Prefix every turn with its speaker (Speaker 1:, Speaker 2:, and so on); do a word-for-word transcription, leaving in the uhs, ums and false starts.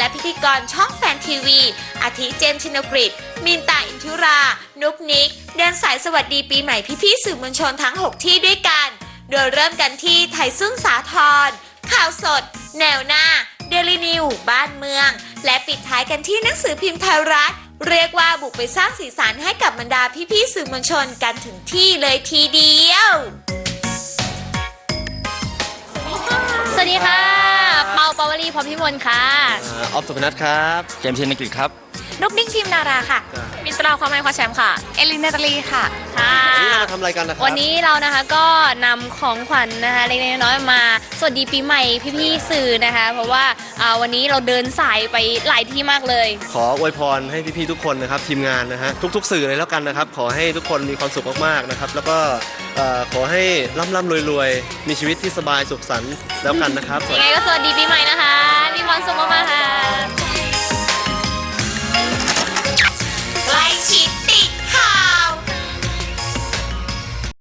Speaker 1: พิธีกรช่องแฟนทีวีอาทิเจนชินกฤษมินตาอินทิรา นุกนิกเดินสายสวัสดีปีใหม่พี่ๆสื่อมวลชนทั้งหกที่ด้วยกัน โดยเริ่มกันที่ไทยซึ่งสาทรข่าวสด แนวหน้า เดลินิวบ้านเมือง และปิดท้ายกันที่หนังสือพิมพ์ไทยรัฐเรียกว่าบุกไปสร้างสีสันให้กับบรรดาพี่ๆสื่อมวลชนกันถึงที่เลยทีเดียว
Speaker 2: สวัสดีค่ะเปาเปาวลีพรพิมลค่ะ
Speaker 3: ออฟสุพนัทครับ
Speaker 4: เจมส์เชนนิกิตครับ
Speaker 2: นกนิ่งพิมนาราค่ะมิตราความหมายความแชมป์ค่ะเอลินเนตาลีค่ะค่ะ
Speaker 3: วันนี้เรามาทำอะไรกันนะครับ
Speaker 2: วันนี้เรานะคะก็นำของขวัญนะคะเล็กๆน้อยๆมาสวัสดีปีใหม่พี่ๆสื่อนะคะเพราะว่าวันนี้เราเดินสายไปหลายที่มากเลย
Speaker 3: ขออวยพรให้พี่ๆทุกคนนะครับทีมงานนะฮะทุกๆสื่อเลยแล้วกันนะครับขอให้ทุกคนมีความสุขมากๆนะครับแล้วก็ขอให้ร่ำๆรวยๆมีชีวิตที่สบายสุขสันต์แล้วกันนะครับ
Speaker 2: ยังไงก็สวัสดีปีใหม่นะคะมีความสุขมากๆค่ะ